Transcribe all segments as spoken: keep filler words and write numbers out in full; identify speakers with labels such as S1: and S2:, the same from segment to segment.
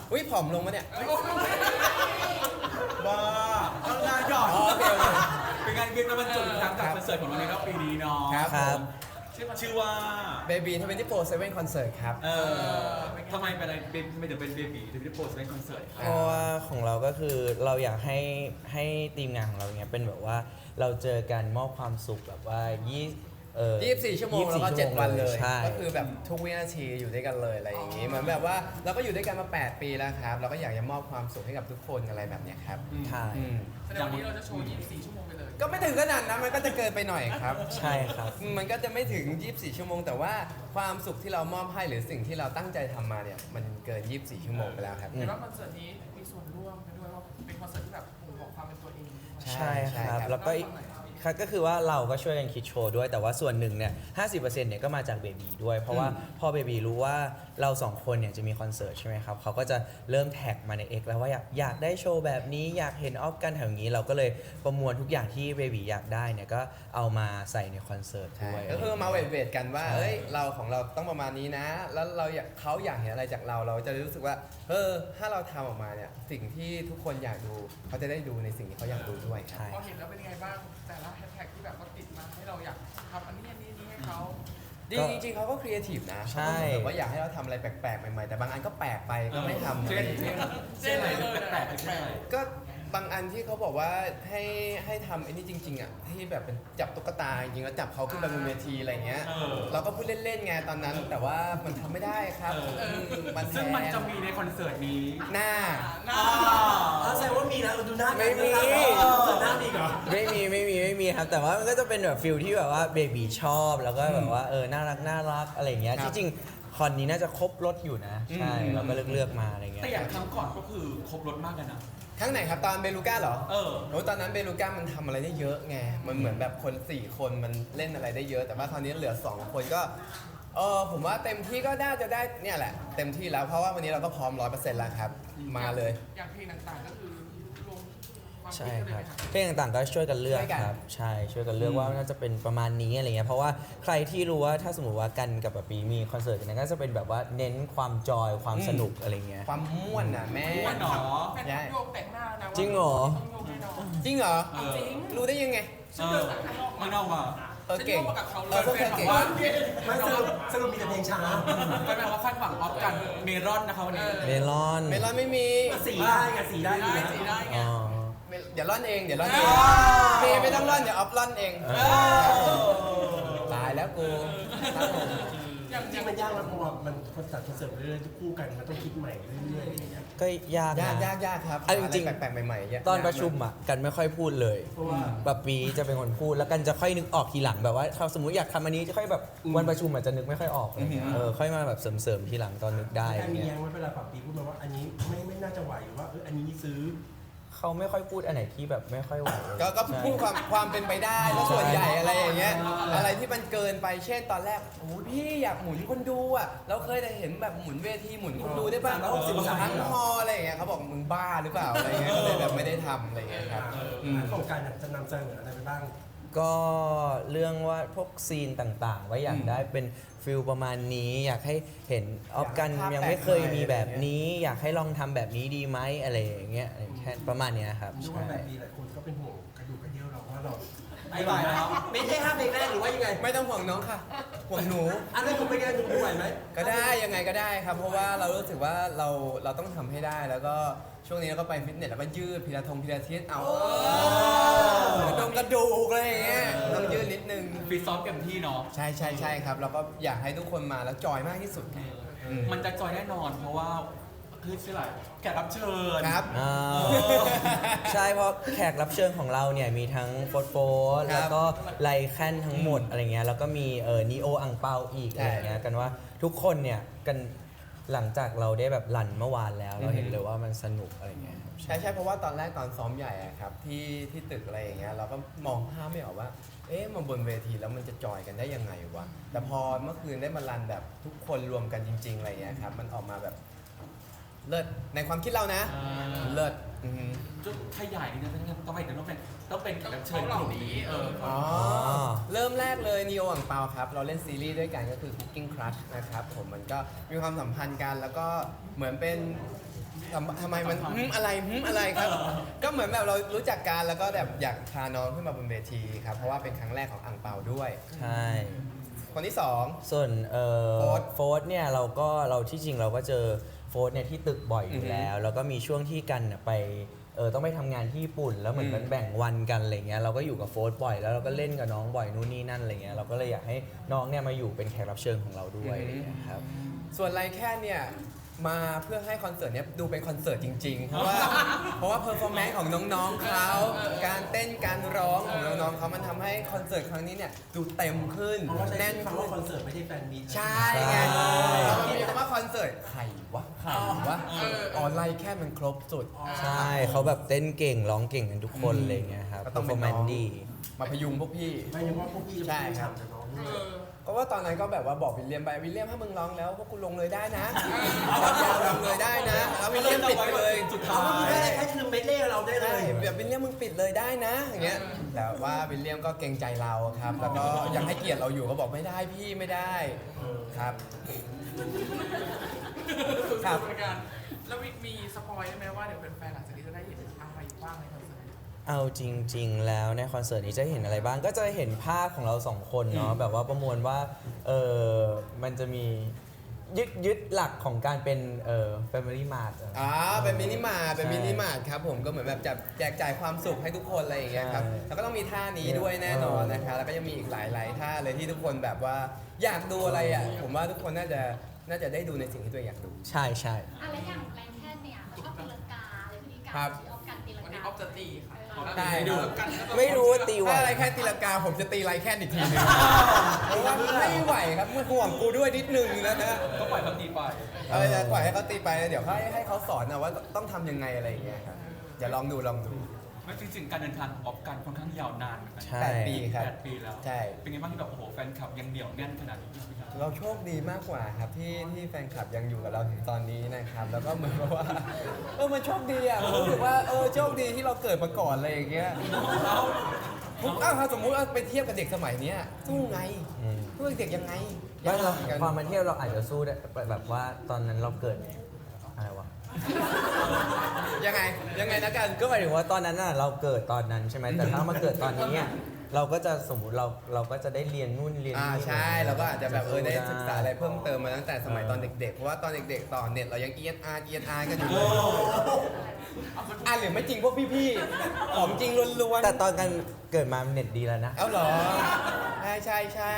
S1: อุ้ยผอมลงมาเนี่ย
S2: บ้าข้างหน้าหยอด
S1: อ๋อโอเคโอเค
S2: เป็นงานเวียนมาบรรจุอีกครั้งกับคอนเสิร์ตของเราในรอบปีนี้เนาะ
S1: ครับ
S3: ครับ
S2: ชื่อว่า
S1: Baby ทเวนตี้โฟร์ เซเว่น Concert ครับ
S2: เออทำไมเป็นอะไรเป็นไม่ถึงเป็นเบบีถึงได้โพสต์เป็นคอนเสิร์ต
S3: เพราะว่าของเราก็คือเราอยากให้ให้ทีมงานของเราเนี้ยเป็นแบบว่าเราเจอกันมอบความสุขแบบว่ายี่เอ่อ
S1: ยี่สิบสี่ ชั่วโมงแล้วก็
S3: ยี่สิบสี่
S1: เจ็ด วันเลย
S3: ใช่
S1: ก็คือแบบทุกวินาทีอยู่ด้วยกันเลยอะไรอย่างงี้เหมือนแบบว่าเราก็อยู่ด้วยกันมา แปด ปีแล้วครับ เราก็อยากจะมอบความสุขให้กับทุกคนอะไรแบบเนี้ยครับ
S3: ใช่
S1: อืม
S4: แสดงวันนี้เราจะโชว์ ยี่สิบสี่ ชั่วโมงไปเลย
S1: ก็ไม่ถึงขนาดนั้นมันก็จะเกินไปหน่อยครับ
S3: ใช่ครับ
S1: มันก็จะไม่ถึง ยี่สิบสี่ ชั่วโมง แต่ว่าความสุขที่เรามอบให้หรือสิ่งที่เราตั้งใจทำมาเนี่ยมันเกิน ยี่สิบสี่ ชั่วโมงไปแล้วครับ
S3: อืม
S4: เห็นว่าคอนเสิร์ตนี้มีส่วนร่วมกันด้วยว่าเป็นคอนเสิร์ตที่แบบบ่งบอกความเป็นตัวเอง
S3: ใช่
S1: ใช่
S3: ครับ
S1: ครับ
S3: แล้วก็อีกครับก็คือว่าเราก็ช่วยกันคิดโชว์ด้วย แต่ว่าส่วนหนึ่งเนี่ยห้าสิบเปอร์เซ็นต์เนี่ยก็มาจากเบบีด้วย เพราะว่าพอเบบีรู้ว่าเราสองคนเนี่ยจะมีคอนเสิร์ตใช่ไหมครับเขาก็จะเริ่มแท็กมาใน X แล้วว่าอยากอยากได้โชว์แบบนี้อยากเห็นออฟกันแถวนี้ เราก็เลยประมวลทุกอย่างที่เบบีอยากได้เนี่ยก็เอามาใส่ในคอนเสิร์ต
S1: ใช่
S3: ด้วย
S1: ก็คือมาเวทเวทกันว่า
S3: ใช่
S1: เอ้ย เราของเราต้องประมาณนี้นะ แล้วเราอยากเขาอยากเห็นอะไรจากเรา เราจะรู้สึกว่า เออ ถ้าเราทำออกมาเนี่ย สิ่งที่ทุกคนอยากดู เขาจะได้ดูในสิ่งที่เขาอยากดูด้วยครับ
S3: ใช่
S4: พอเห็นแล้วเป็นยังไงบ้างแต่ละแฮชแท็กที่แบบว่าติดมาให้เราอยากทำอันนี้อันนี้อันนี้ให้เขา
S1: จริงจริงๆเขาก็ครีเอทีฟนะ
S3: ใช่
S1: เขาก็แบบว่าอยากให้เราทำอะไรแปลกๆ ใหม่ๆ แต่บางอันก็แปลกไปก็ไม่ทำ
S2: เช่นเช่นเช่นอะไรแปลกๆเช่นอะไร
S1: ก็บางอันที่เขาบอกว่าให้ให้ทำไอ้นี่จริง ๆอ่ะที่แบบเป็นจับตุ๊กตาจริงๆแล้วจับเขาขึ้นไปบนเวทีอะไรเงี้ย
S2: เออ
S1: เราก็พูดเล่นๆไงตอนนั้น แต่ว่ามันทำไม่ได้ครับ
S2: เออ
S1: มมันแพ
S2: ซึ่งมัน
S1: ง
S2: จะมีในคอนเสิร์ตนี้
S1: หน้า
S2: อ่า
S5: ถ้าแสดงว่ามีนะดูหน้า
S1: ไม่มี
S5: เปิดหน้ามีเหรอ
S3: ไม่มีไม่มีไม่มีครับ แต่ว่ามันก็จะเป็นแบบฟิลที่แบบว่าเบบีชอบแล้วก็แบบว่าเออน่ารักน่ารักอะไรอย่างเงี้ย
S1: ครับ
S3: ที่จริงคอนนี้น่าจะครบรถอยู่นะ ใช่
S1: อืม
S3: เราก็เลือกเลือกมาอะไรเงี้ย
S2: แต่อย่างครั้งก่อนก็คือครบรถมากกันนะ
S1: ครั้งไหนครับตอนเบลูก้าเหรอ
S2: เออ
S1: โอ้ตอนนั้นเบลูก้ามันทำอะไรได้เยอะไง มันเหมือนแบบคน สี่ คนมันเล่นอะไรได้เยอะ แต่ว่าคราวนี้เหลือ สอง คนก็ เออผมว่าเต็มที่ก็น่าจะได้เนี่ยแหละ เต็มที่แล้วเพราะว่าวันนี้เราก็พร้อมร้อยเปอร์เซ็นต์แล้วครับ มาเลย
S4: อย่างเพลงต่างๆก็คือรวมความคิ
S3: ใช่
S4: ดกันเลย
S3: ครับ
S4: ไหมคะ
S3: เพลงต่างๆก็ช่วยกันเลือก
S1: ช่วยกัน
S3: ครับใช่ช่วยกันเลือกว่าน่าจะเป็นประมาณนี้อะไรเงี้ยเพราะว่าใครที่รู้ว่าถ้าสมมติว่ากันกับปะปีมีคอนเสิร์ตกันเนยก็จะเป็นแบบว่าเน้นความจอยความสนุกอะไรเงี้ย
S1: ความม่วนน่ะแม่
S2: ม่วนเหรอ
S4: แฟนคลับโยกแต่งหน้านะว่า
S3: จริงเหรอ
S4: ต้องโยกแน่นอน
S1: จริงเหรอ
S2: เออ
S4: จริง
S1: รู้ได้ยังไง
S2: เออมันเอามา
S1: เออเก่ง
S4: ฉันร่วมมากับเขาเลย
S1: เออพวกเธอเก่ง
S5: ไม่สรุปสรุปมีแต่เพลงช้า
S2: ก็แปลว่าคาดหวังออฟกันเมรอนนะคะวันนี้
S3: เมลอน
S1: เมลอนไม่มี
S5: สีได้ไงสีได้
S4: ได้
S5: ดีนะ
S4: สีได้ไง
S3: อ๋อ
S1: เมลเดี๋ยวร่อนเอง เดี๋ยวร่อนเองเมย์ไม่ต้องร่อน เดี๋ยวออฟร่อนเอง ตายแล้วกูครับผม
S4: อย่าง
S5: จริงมันยากแล้วเพราะว่ามันคอนเสิร์ตคอนเสิร์ตเรื่อยๆคู่กันมันต้องคิดใหม่เรื่อยๆอะไรอย่างเงี้ย
S3: ก็ยาก
S1: ยาก
S3: นะ
S1: ยากยากครับ
S3: เอาจริงๆ
S1: อะไรแปลกๆใหม่ๆเย
S3: ตอนประชุมอ่ะกันไม่ค่อยพูดเลย
S5: เพราะว่า
S3: แบบปีจะเป็นคนพูดแล้วกันจะค่อยนึกออกทีหลังแบบว่าถ้าสมมติอยากทำอันนี้จะค่อยแบบวันประชุมอาจจะนึกไม่ค่อยออกอะไรเงี้ยเออค่อยมาแบบเสริมๆทีหลังตอนนึกได้อะไร
S5: การมี
S3: เงี้
S5: แย้
S3: ย
S5: งไว้เวลาปรับปีพูดมาว่าอันนี้ไม่ไม่น่าจะไหวหรือว่าเอออันนี้ซื้อ
S3: เขาไม่ค่อยพูดอันไหนที่แบบไม่ค่อยไหวเลย
S1: ก็ก็
S3: ใช่
S1: พูดความความเป็นไปได้ก็ส่วนใหญ่อะไรอย่างเงี้ยอะไรที่มันเกินไปเช่นตอนแรกโอ้ยพี่อยากหมุนคนดูอ่ะเราเคยแต่เห็นแบบหมุนเวทีหมุนคนดูได้ป่ะ
S5: สามร้อยหกสิบองศา
S1: ทั้งฮอลล์อะไรอย่างเงี้ยเขาบอกมึงบ้าหรือเปล่าอะไรเงี้ยก็เลยแบบไม่ได้ทำอะไรเงี้ยครับอืม
S5: โครงการจะนำเสนออะไรไปบ้าง
S3: ก็เรื่องว่าพวกซีนต่างๆ ว่าอยากได้เป็นฟิลประมาณนี้ อยากให้เห็นออฟกัน
S1: อยากให้ภาพ
S3: ยังไม่เคยมีแบบ
S1: แปลกใหม่
S3: นี้ อยากให้ลองทำแบบนี้ดีไหมอะไรอย่างเงี้ยแค่ประมาณเนี้ยครับ
S5: ดู
S3: ใช่
S5: ว่าแบบปีหลายคนก็เป็นห่วงกระดูกกระเดี่ยวเราว่าเรา
S2: ไอ้บ่ายแล้ว
S5: ไม่ใช่ห้าเพลงแรกหรือว่ายังไง
S1: ไม่ต้องห่วงน้องค่ะห่วงหนู
S5: อันนั้นคุณเป็นไงหนูไหวไหม
S1: ก็ได้ยังไงก็ได้ครับ เพราะว่าเรารู้สึกว่าเราเราต้องทำให้ได้ แล้วก็ช่วงนี้เราก็ไปฟิตเนสแล้วก็ยืดพิลาทงพิลาทิสเอากระดงกระดูกอะไรอย่างเงี้ยต้องยืดนิดนึง
S2: ฟีซ้อมเต็มที่เนาะ
S1: ใช่ใช่ใช่ครับเราก็อยากให้ทุกคนมาแล้วจอยมากที่สุดไงอืม
S2: มันจะจอยแน่นอน เพราะว่าคือชื่ออะไรแขกรับเชิญ
S1: ครับ
S3: อ่าใช่เพราะแขกรับเชิญของเราเนี่ยมีทั้งโฟร์โฟร์
S1: ครับ
S3: แล้วก็ไลแคนทั้งหมดอะไรเงี้ยแล้วก็มีเออนีโออังเปาอีก
S1: ใช่
S3: อะไรเงี้ยกันว่าทุกคนเนี่ยกันหลังจากเราได้แบบรันเมื่อวานแล้ว เราเห็น
S1: อือฮึ
S3: เลยว่ามันสนุกอะไรเงี้ยครับ
S1: ใช่ใช่เพราะว่าตอนแรกตอนซ้อมใหญ่อะครับที่ที่ตึกอะไรอย่างเงี้ยเราก็มองภาพไม่ออกว่า เอ๊ะมาบนเวทีแล้วมันจะจอยกันได้ยังไงวะแต่พอเมื่อคืนได้มารันแบบทุกคนรวมกันจริง ๆอะไรอย่างเงี้ยครับมันออกมาแบบเลิศในความคิดเรานะ เลิศอืม
S2: จุดขยายนี่นะทำไมถึงต้องเป็นต้องเป็นแขกรับเชิญกลุ่มนี้เออ
S1: อ๋อ เริ่มแรกเลยนีโออ่างเปาครับ เราเล่นซีรีส์ด้วยกันก็คือ Cooking Crush นะครับผมมันก็มีความสัมพันธ์กันแล้วก็เหมือนเป็นทำทำไมมันหึมอะไรหึมอะไรครับ ก็เหมือนแบบเรารู้จักกันแล้วก็แบบอยากพาน้องขึ้นมาบนเวทีครับ เพราะว่าเป็นครั้งแรกของอ่างเปาด้วย
S3: ใช่
S1: คนที่สอง
S3: ส่วนเอ่อ
S1: โฟร์ธ
S3: โฟร์ธเนี่ยเราก็เราที่จริงเราก็เจอโฟร์ธเนี่ยที่ตึกบ่อยอ
S1: อื
S3: ยู่
S1: อฮึ
S3: แล้ว แล้วก็มีช่วงที่กันน่ะไปเออต้องไปทำงานที่ญี่ปุ่น แล้วเหมือน
S1: อืม
S3: มันแบ่งวันกันอะไรเงี้ยเราก็อยู่กับโฟร์ธบ่อยแล้วเราก็เล่นกับน้องบ่อยนู่นนี่นั่นอะไรเงี้ยเราก็เลยอยากให้น้องเนี่ยมาอยู่เป็นแขกรับเชิญของเราด้วยอะไรเงี้ยครับ
S1: ส่วนไรแค่เนี่ยมาเพื่อให้คอนเสิร์ตเนี้ยดูเป็นคอนเสิร์ตจริงๆ เพราะว่าเพราะว่าเพอร์ฟอร์แมนซ์ของน้องๆเขาการเต้นการร้องของน้องๆเขามันทำให้คอนเสิร์ตครั้งนี้เนี่ยดูเต็มขึ้น
S5: เพราะว่าใช้
S1: แน่น
S5: คำ
S1: ขึ้
S5: ว่าน คอนเสิร์ตไม่ใช่แฟนมีต
S1: ใช่ไงแล้วมันมีคำว่าคอนเสิร์ตใครวะใครวะออนไลน์แค่มันครบสุด
S3: ใช่เขาแบบเต้นเก่งร้องเก่งกันทุกคน
S1: อืม
S3: อะไรเงี้ยครับ
S1: ก็
S3: เพ
S1: ต้
S3: อ
S1: อง
S3: ร์ฟ
S1: เป็
S3: อน ร์แม
S1: น้
S3: น
S1: อง
S3: ซ์ดี
S1: มาพยุงพวกพี่
S5: ไม่ใช่ว่าพวกพี่จะ
S1: ใช่
S5: พูด
S1: ครับ
S5: ฉ่ำกับน้องด้
S4: เอ
S5: วย
S4: อ
S1: เพราะว่าตอนนั้นก็แบบว่าบอกวิลเลียมไปวิลเลียมถ้ามึงร้องแล้วพวกกูลงเลยได้นะยาวๆลงเลยได้นะแล้ววิลเลียมปิดไปเลย
S2: สุด
S5: เอา
S2: ท้า
S5: ไม่
S2: ย
S5: ได้แค่คือเมดเล่เราได้เล
S1: ใช่
S5: ย
S1: แบบวิลเลียมมึงปิดเลยได้นะอย่างเงี้ยแต่ว่าวิลเลียมก็เกรงใจเราครับ แล้วก็ยังให้เกียรติเราอยู่ก็บอกไม่ได้พี่ไม่ได้ครับ ครับ
S4: เหมือนกันแล้วมีมีสปอยได้ไหมว่าเดี๋ยวแฟนๆหลังจากนี้จะได้เห็นอะไรบ้างในคอนเสิร์ต
S3: เอาจริง ๆ แล้วในคอนเสิร์ตนี้จะเห็นอะไรบ้างก็จะเห็นภาพของเราสองคนเนาะแบบว่าประมวลว่าเออมันจะมียึดยึดหลักของการเป็นเอ่อ Family Mart อะ
S1: อ่าเป็นมินิมาร์ทเป็น
S3: ใช่
S1: มินิมาร์ทครับผมก็เหมือนแบบจะแจกจ่ายความสุขให้ทุกคนอะไรอย่างเงี้ยครับ
S3: ใช่
S1: แล้วก็ต้องมีท่านี้ด้วยแน่นอนนะคะแล้วก็ยังมีอีกหลายๆท่าเลยที่ทุกคนแบบว่าอยากดูอะไรอ่ะผมว่าทุกคนน่าจะน่าจะได้ดูในสิ่งที่ตัวเองอยากดู
S3: ใช่ใช่
S6: อะไรอย่างแรงแค่เนี่ยเขาชอบตีลังกาอะไรพฤติกรร
S1: ครั
S6: ม
S1: บ
S6: ที่ออฟกันตีลัง
S4: วันนี้
S6: กา
S4: ออฟจะตีค่ะ
S1: ได้
S4: ดู
S1: ครับ
S4: กันแล้วก็
S3: ไม่รู้ว่าตีไหว
S1: ถ้าอะไรแค่ตีลังกาผมจะตีไรแค่อีกทีหนึงเพราะว่าไม่ไหวครับมันห่วงกูด้วยนิดนึงนะฮะ
S2: ก็ปล่อยเขาตีไป
S1: เออจะปล่อยให้เขาตีไปแล้วเดี๋ยวให้ให้เขาสอนนะว่าต้องทำยังไงอะไรอย่างเงี้ยครับอย่าลองดูลองดู
S2: ไม่จริงๆการเดินทางของออฟกันค่อนข้างยาวนานเหมือนกัน
S3: ใช่
S1: แปดปีครับ
S2: แปดปีแล้ว
S1: ใช่
S2: เป็นไงบ้างที่แบบโอ้โหแฟนคลับยังเหนียวแน่นขนาดนี้พี่ครับ
S1: เราโชคดีมากกว่าครับที่ที่แฟนคลับยังอยู่กับเราถึงตอนนี้นะครับ แล้วก็เหมือนกับว่าเออมันโชคดีอ่ะผมรู้สึกว่าเออโชคดีที่เราเกิดมาก่อนอะไรอย่างเงี้ยผมอ้าวถ้าสมมุติว่าไปเทียบกับเด็กสมัยเนี้ยสู้ไง
S3: อืม
S1: สู้เด็กยังไง
S3: ไม่เรา
S1: ยกหมือนกัน
S3: ความมาเที่ยวเราอาจจะสู้ได้แบบว่าตอนนั้นเราเกิดอะไรวะ
S1: ยังไงยังไงนะกัน
S3: ก็หมายถึงว่าตอนนั้นน่ะเราเกิดตอนนั้นใช่ไหมแต่ถ้ามาเกิดตอนนี้อ่ะเราก็จะสมมุติเราเราก็จะได้เรียนนู่นเรียน
S1: อ่า
S3: นี่
S1: ใช่เราก็อาจจะแบบเออได้ศึกษาอะไรเพิ่มเติมมาตั้งแต่สมัยตอนเด็กๆเพราะว่าตอนเด็กๆต่อเน็ตเรายังเอียนอาร์เอียนอาร์กันอยู่เลยอ่ะหรือไม่จริงพวกพี่ๆของจริงล้วนๆ
S3: แต่ตอนกันเกิดมาเน็ตดีแล้วนะ
S1: เอ้าเหรอ ใช่ใช่ใช่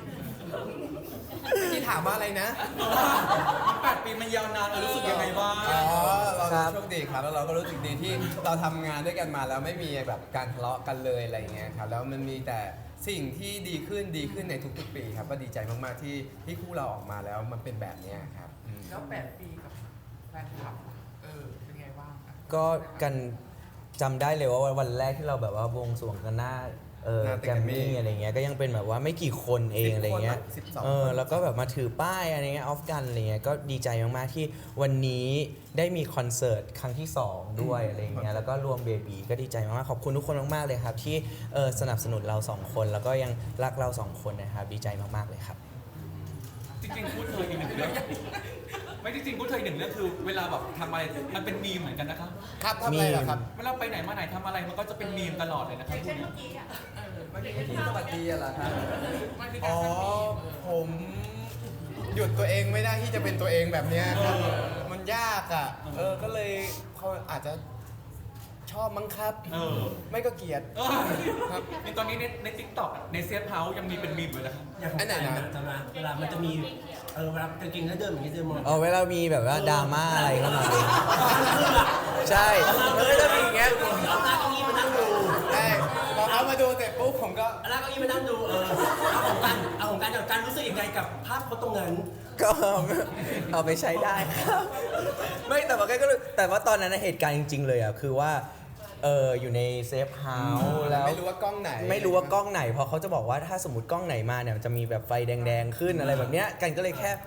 S1: ที่ถามว่าอะไรนะ
S2: แปดปีมันยาวนานเรารู้สึกยังไงบ้าง
S1: อ๋อ เรา
S3: ครับ
S1: โชคดีครับ แล้วเราก็รู้สึกดีที่เราทำงานด้วยกันมาแล้วไม่มีแบบการทะเลาะกันเลยอะไรอย่างเงี้ยครับ แล้วมันมีแต่สิ่งที่ดีขึ้นดีขึ้นในทุกๆปีครับ ก็ดีใจมากๆที่ที่คู่เราออกมาแล้วมันเป็นแบบเนี้ยครับอืม
S4: แล้วแปดปีกับแฟนคลับเออเป็นไงบ้างอะ
S3: ก็กันจำได้เลยว่าวันแรกที่เราแบบว่าบวงสรวงกันหน้าเออ
S1: หน้าตึก
S3: แกรม
S1: แกรมมี่
S3: มี่อะไรเงี้ยก็ยังเป็นแบบว่าไม่กี่คนเองอะไรเงี้ย
S1: สิบคนมั้งสิบสอง
S3: เออ
S1: คน
S3: แล้วก็แบบมาถือป้ายอะไรเงี้ยออฟกันอะไรเงี้ยก็ดีใจมากๆที่วันนี้ได้มีคอนเสิร์ตครั้งที่สองด้วยอะไรเงี้ยแล้วก็รวมเบบีก็ดีใจมากๆขอบคุณทุกคนมากๆเลยครับที่เออสนับสนุนเราสองคนแล้วก็ยังรักเราสองคนนะครับดีใจมากๆเลยครับ
S2: จริงๆพูดเธออีกหนึ่งเรื่องไม่จริงๆพูดเธออีกหนึ่งเรื่องคือเวลาแบบทำอะไรมันเป็นมีมเหมือนกันนะครับ
S1: ครับทำอะไรเหรอครับ
S2: เวลาไปไหนมาไหนทำอะไรมันก็จะเป็นมีมตลอดเลยนะครับพูดเนี่ย
S4: เออมันมี
S1: ที่สวัสดีอะเหรอครับ
S4: มันคือ
S1: อ๋
S4: การ
S1: อ
S4: ทำมีม
S1: ผมหยุดตัวเองไม่ได้ที่จะเป็นตัวเองแบบเนี้ยครับ มันยากอ่ะ เออ ก็เลยเขาอาจจะชอบมั้งครับ
S2: เออ
S1: ไม่ก็เกลียด
S2: เออ
S1: ครับ
S2: ในตอนนี้ในในทิกตอกในเซฟเฮาส์ยังมีเป็นมีมอยู่นะครับ
S5: อย่างของ
S1: อันไหน
S5: แฟน
S1: นะ
S5: จะมาเวลามันจะมีเออเวลากางเกงแล้วเดินอย่างนี้เดินมอง
S3: เออเวลามีแบบว่าดราม่าอะไรเข้ามาใช่มันก็จะมีอย่างเงี้ย
S5: เอาหน้าเก้าอี้มานั่งดู
S1: ใช่พอเขามาดูเสร็จปุ๊บผมก็
S5: เอาหน้าเก้าอี้มานั่งดูเออเอาของกันเอาของกันเอาการรู้สึกยังไงกับภาพเขาตรงนั้น
S3: ก็เอาไปใช้ได้ครับ ไม่แต่ว่าก็รู้แต่ว่าตอนนั้นนะเหตุการณ์จริง ๆ เลยอ่ะคือว่าเอออยู่ในเซฟเฮาส์แล้ว
S1: ไม่รู้ว่ากล้องไหน
S3: ไม่รู้ว่ากล้องไหนเพราะเขาจะบอกว่าถ้าสมมติกล้องไหนมาเนี่ยมันจะมีแบบไฟแดงๆขึ้นอะไรแบบเนี้ยกันก็เลยแค่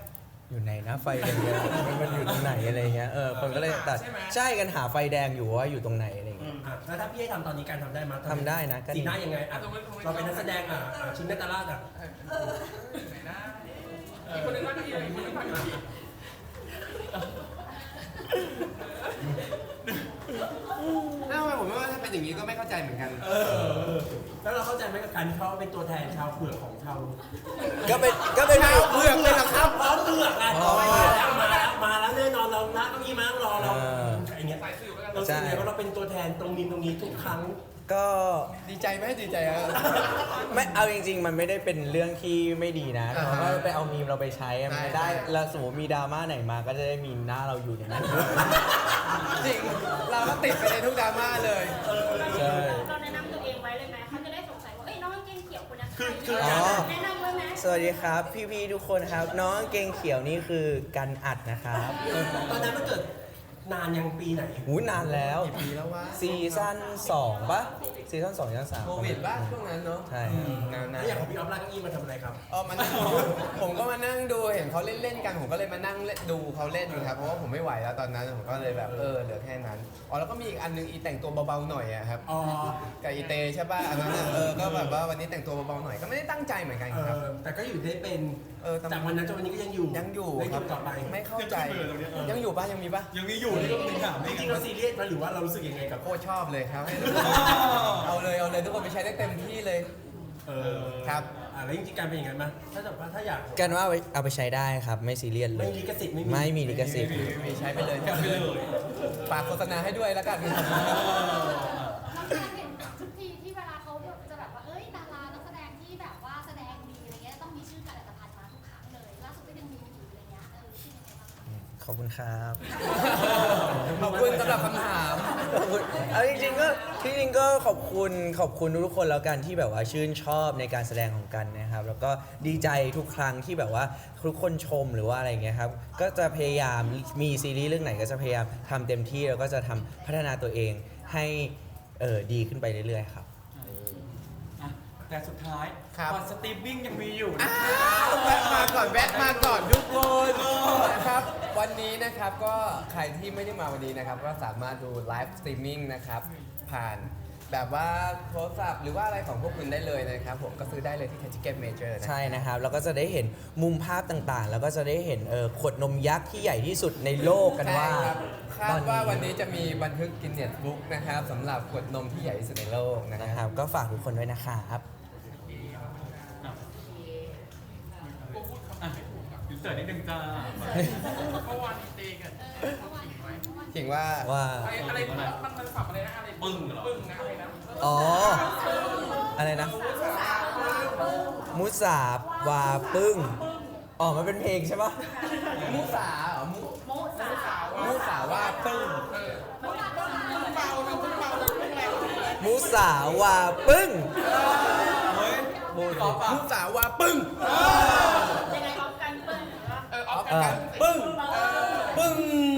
S3: อยู่ไหนนะไฟแดงเนี่ยมันมันอยู่ตรงไหนอะไรเงี้ยเออคนก็เลยตัดใช่กันหาไฟแดงอยู่ว่าอยู่ตรงไหนอะไรเงี้ย
S5: อ่ะแล้วถ้าพี่ให้ทำตอนนี้การทำได้ไหมย
S3: ทำได้นะก็ดี
S5: สีหน้ายังไงอ่ะเราเป็นนักแสดงอ่ะอ่ะชิ้นนัตตาลาดอ่ะ
S4: ไหนนะอีกคนนึงนั่งอยู่อีกคนนึงนั่งอยู่อีก
S1: อ้าวทำไมผมว่าถ้าเป็นอย่างนี้ก็ไม่เข้าใจเหมือนกัน
S5: เออแล้วเราเข้าใจไหมกับการที่เขาเป็นตัวแทนชาวเผือกของชาว
S3: ก็เป็นก็เป็น
S1: ชาวเผือกเลยเหรอครับ
S5: พร้อมเผือกอ่ะ
S3: อ๋อ
S5: มาแล้วมาแล้วมาแล้วแน่นอนเรานะก็มีมานั่งรอเรา
S3: เออ
S5: อย่างเงี้ย
S4: สายสืบแล้วกัน
S5: เราสึกไงว่าเราเป็นตัวแทนตรงนี้ตรงนี้ทุกครั้ง
S3: ก็
S1: ดีใจไหมดีใจอะ
S3: ไม่เอาจริง ๆ มันไม่ได้เป็นเรื่องที่ไม่ดีนะแต่
S1: อ่าฮะ
S3: ว่าไปเอามีมเราไปใช้อะมัน
S1: ใช่
S3: ได้
S1: ใช่
S3: แล้วสมมติมีดราม่าไหนมาก็จะได้มีหน้าเราอยู่ในนั้น
S1: จริง เราก็ติดไปในทุกดราม่าเลย
S3: ใช่
S6: เราแนะนำตัวเองไว้เลยไหมเขาจะได้สงสัยว่าเอ้ยน้องกางเกงเขียวคนนั้นใคร
S5: คือ
S3: อ๋อ
S6: แนะนำไว้ไหม
S3: สวัสดีครับ พี่ๆทุกคนครับ น้องเกงเขียวนี่คือกันอัดนะครับ
S5: ตอนนั้นมันเกิดนานยังปีไหน
S3: หูนานแล้ว
S1: กี่ปีแล้ววะ
S3: ซีซั่นสองปะซีซั่นสองซีซั่นสาม
S1: โควิดบ้างช่วงนั้นเนาะ
S3: ใช่ครับ
S1: นาน
S5: แล้วอย่างของพี่ออฟลากเก้าอี้มาทำอะไรครับ
S1: ๆเออมานั่งผมก็มานั่งดูเห็นเขาเล่นๆกันผมก็เลยมานั่งเล่นดูเขาเล่นอยู่ครับเพราะว่าผมไม่ไหวแล้วตอนนั้นผมก็เลยแบบเออเหลือแค่นั้นอ๋อแล้วก็มีอีกอันนึงอีแต่งตัวเบาๆหน่อยอะครับ
S5: อ๋อ
S1: กับอีเตใช่ป่ะอันนั้นอะเออก็แบบว่าวันนี้แต่งตัวเบาๆหน่อยก็ไม่ได้ตั้งใจเหมือนกัน
S5: เอ
S1: ครับ
S5: อแต่ก็อยู่ได้เป็น
S1: เออแต่
S5: จากวันนั้นจนวันนี้ก็ยังอยู่
S1: ยังอยู่
S5: ได้
S1: ค
S5: อ
S1: รับ
S5: ยู่ต่อไป
S1: ไม่เข้าใจ
S2: ยังขึ้นไปเลยตรงเนี้ยเออ
S1: ยังอยู่ป่ะยังมีป่ะ
S2: ยังมีอยู่นี่ก็ถึงถาม
S5: จ
S2: นี่
S5: ริงๆเราซีเรียสไหมหรือว่าเรารู้สึกยังไงกับ
S1: โคตรชอบเลยครับ เอาเลยเอาเลยทุกคนไปใช้ได้เต็มที่เลย
S5: เออ
S1: ครับ
S5: อ่ะแล้วจริงๆการเป็นอย่างนั้นไหมถ้าแบบว่าถ้าอยาก
S3: กันว่าเอาไปเอาไปใช้ได้ครับ ไม่ซีเรียสเล
S5: ไม่
S3: ย
S5: มีลิขสิทธิ์ไม่มี
S3: ไม่มีลิขสิทธิ์
S1: มีใช้ไปเลย
S2: กลับไปเลย
S1: ฝากโฆษณาให้ด้วยแล้วกัน
S6: น้องจะเห็นทุกทีที่เวลาเขาจะแบบว่าเอ้ยดารานักแสดงที่แบบว่าแสดงดีอะไรเงี้ยต้องมีชื่อการอัตภัณฑ์มาทุกครั้งเลยล่าสุดก็ยังมีอยู่อะไรเงี้ยเออชื่อยังไงบ้างคะ
S3: ขอบคุณครับ
S1: ขอบคุณสำหรับคำถาม
S3: ขอบคุณเอาจริงๆก็จริงๆก็ขอบคุณขอบคุณทุกๆคนแล้วกันที่แบบว่าชื่นชอบในการแสดงของกันนะครับ แล้วก็ดีใจทุกครั้งที่แบบว่าทุกคนชมหรือว่าอะไรเงี้ยครับก็จะพยายามมีซีรีส์เรื่องไหนก็จะพยายามทำเต็มที่แล้วก็จะทำพัฒนาตัวเองให้เออดีขึ้นไปเรื่อยๆครับ
S2: อ่ะแต่สุดท้าย
S1: ครับ
S2: ตอนสตรีมมิ่งยังมีอยู่นะ
S1: อ้าวแวะมาก่อนแวะมาก่อนทุกคนนะครับ วันนี้นะครับก็ใครที่ไม่ได้มาวันนี้นะครับ ก็สามารถดูไลฟ์สตรีมมิ่งนะครับ ผ่านแบบว่าโทรศัพท์หรือว่าอะไรของพวกคุณได้เลยนะครับ ผมก็ซื้อได้เลยที่ Ticket Major นะ
S3: ใช่นะครับ แล้วก็จะได้เห็นมุมภาพต่างๆ แล้วก็จะได้เห็นเออขวดนมยักษ์ที่ใหญ่ที่สุดในโลกกันว่า
S1: ใช่ครับคา
S3: ตอ
S1: ดว่าวันนี้จะมีบันทึกกินเน็ตบุ๊กนะครับสำหรับขวดนมที่ใหญ่ที่สุดในโลกนะ
S3: นะ
S1: ค
S3: ครับ รับ ก็ฝากทุกคนด้วยนะครับ
S2: อ่ะอินเสิร์ตนิดนึงจ้า
S4: เมื่อวานมีเตกัน
S1: ถึงว่า
S3: ว่า
S4: อะไรอะไรมันมันสับอะไรนะอะไร
S2: ปึ้งเหรอ
S4: ปึ้งนะอะไรนะ
S3: อ๋อ อะไรนะ มุสาบวาปึ้ง อ๋อ มันเป็นเพลงใช่ปะ
S1: มุสาเหรอมุ
S6: โมสาว
S1: มุสาว่าปึ้ง
S4: เบาเราเพิ่งเบาเราเพิ่งแรง
S3: มุสาวาปึ้ง
S2: เฮ้ย
S3: บู
S2: ตอบปะ
S1: มุสาว่าปึ้ง
S6: ยังไงออฟกันเปิ้ลหรือว่า
S4: เออออฟ
S3: เออ
S1: ปึ้ง ปึ้ง